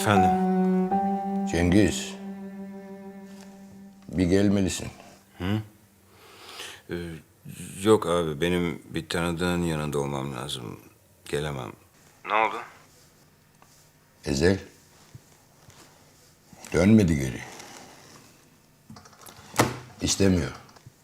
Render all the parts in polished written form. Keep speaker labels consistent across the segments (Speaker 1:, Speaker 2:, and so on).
Speaker 1: Efendim?
Speaker 2: Cengiz. Bir gelmelisin.
Speaker 1: Yok abi, benim bir tanıdığın yanında olmam lazım. Gelemem. Ne oldu?
Speaker 2: Ezel. Dönmedi geri. İstemiyor.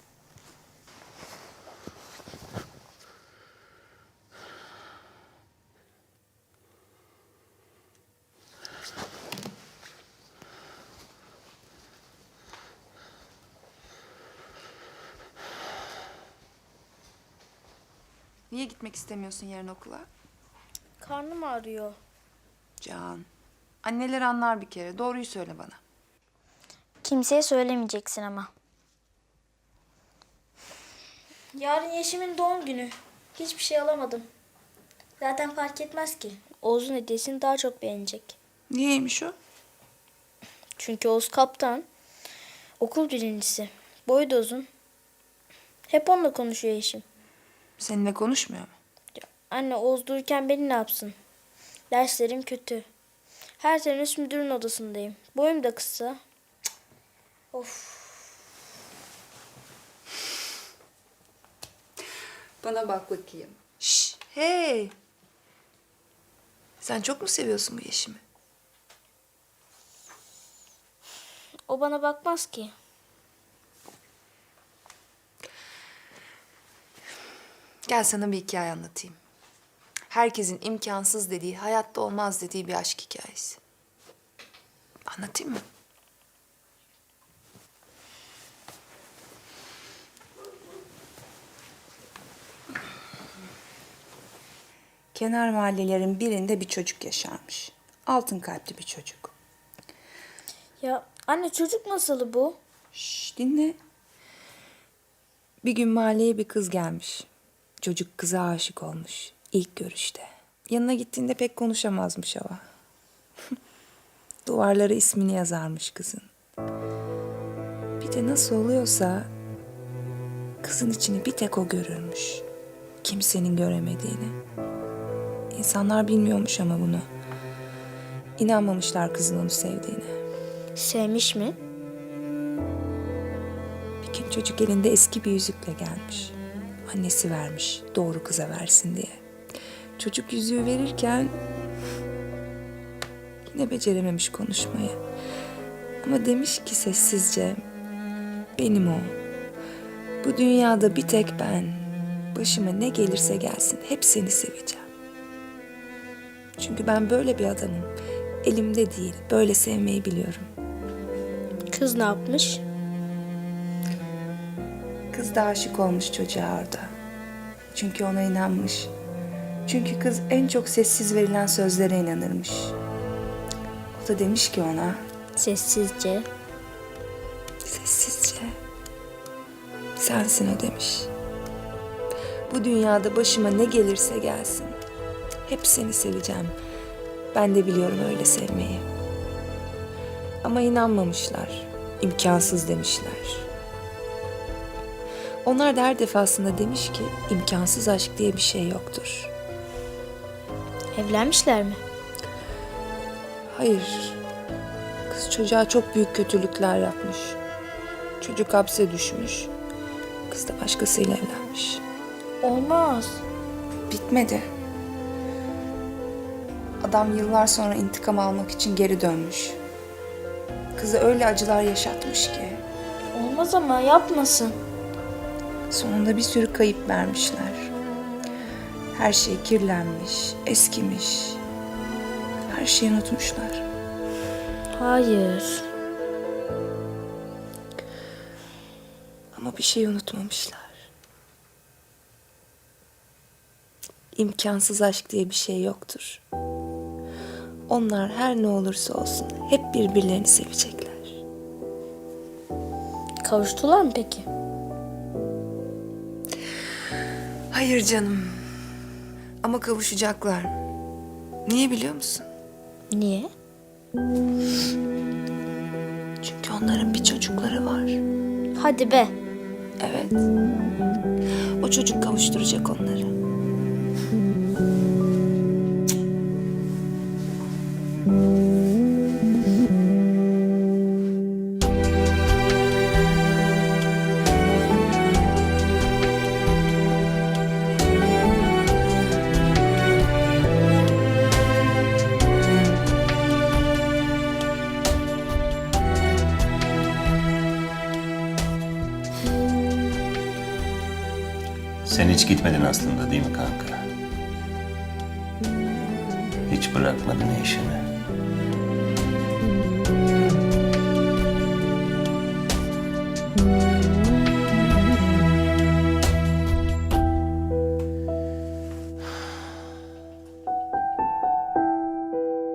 Speaker 3: Niye gitmek istemiyorsun yarın okula?
Speaker 4: Karnım ağrıyor.
Speaker 3: Can. Anneler anlar bir kere. Doğruyu söyle bana.
Speaker 4: Kimseye söylemeyeceksin ama. Yarın Yeşim'in doğum günü. Hiçbir şey alamadım. Zaten fark etmez ki. Oğuz'un hediyesini daha çok beğenecek.
Speaker 3: Niyeymiş o?
Speaker 4: Çünkü Oğuz kaptan. Okul birincisi. Boyu da uzun. Hep onunla konuşuyor Yeşim.
Speaker 3: Seninle konuşmuyor mu?
Speaker 4: Anne Oğuz dururken beni ne yapsın? Derslerim kötü. Her teneffüs müdürün odasındayım. Boyum da kısa. Cık. Of.
Speaker 3: Bana bak bakayım. Şş, hey. Sen çok mu seviyorsun bu Yeşim'i?
Speaker 4: O bana bakmaz ki.
Speaker 3: Gel sana bir hikaye anlatayım. Herkesin imkansız dediği, hayatta olmaz dediği bir aşk hikayesi. Anlatayım mı?
Speaker 5: Kenar mahallelerin birinde bir çocuk yaşarmış. Altın kalpli bir çocuk.
Speaker 4: Ya anne çocuk masalı bu.
Speaker 5: Şş, dinle. Bir gün mahalleye bir kız gelmiş. Çocuk kıza aşık olmuş. İlk görüşte. Yanına gittiğinde pek konuşamazmış ama. Duvarlara ismini yazarmış kızın. Bir de nasıl oluyorsa kızın içini bir tek o görürmüş. Kimsenin göremediğini. İnsanlar bilmiyormuş ama bunu. İnanmamışlar kızın onu sevdiğine.
Speaker 4: Sevmiş mi?
Speaker 5: Bir gün çocuk elinde eski bir yüzükle gelmiş. Annesi vermiş doğru kıza versin diye. Çocuk yüzüğü verirken yine becerememiş konuşmayı. Ama demiş ki sessizce, benim o. Bu dünyada bir tek ben. Başıma ne gelirse gelsin hep seni seveceğim. Çünkü ben böyle bir adamım. Elimde değil, böyle sevmeyi biliyorum.
Speaker 4: Kız ne yapmış?
Speaker 5: Kız da aşık olmuş çocuğa orada. Çünkü ona inanmış. Çünkü kız en çok sessiz verilen sözlere inanırmış. O da demiş ki ona,
Speaker 4: Sessizce.
Speaker 5: sessizce, sensin o demiş. Bu dünyada başıma ne gelirse gelsin. Hep seni seveceğim. Ben de biliyorum öyle sevmeyi. Ama inanmamışlar. İmkansız demişler. Onlar da her defasında demiş ki imkansız aşk diye bir şey yoktur.
Speaker 4: Evlenmişler mi?
Speaker 5: Hayır. Kız çocuğa çok büyük kötülükler yapmış. Çocuk hapse düşmüş. Kız da başkasıyla evlenmiş.
Speaker 4: Olmaz.
Speaker 5: Bitmedi. Adam yıllar sonra intikam almak için geri dönmüş. Kızı öyle acılar yaşatmış ki
Speaker 4: Olmaz ama yapmasın.
Speaker 5: sonunda bir sürü kayıp vermişler. Her şey kirlenmiş, eskimiş. Her şeyi unutmuşlar.
Speaker 4: Hayır.
Speaker 5: Ama bir şey unutmamışlar. İmkansız aşk diye bir şey yoktur. Onlar her ne olursa olsun hep birbirlerini sevecekler.
Speaker 4: Kavuştular mı peki?
Speaker 3: Hayır canım. Ama kavuşacaklar. Niye biliyor musun?
Speaker 4: Niye?
Speaker 5: Çünkü onların bir çocukları var.
Speaker 4: Hadi be.
Speaker 5: Evet. O çocuk kavuşturacak onları.
Speaker 6: Sen hiç gitmedin aslında değil mi kanka? Hiç bırakmadın işini.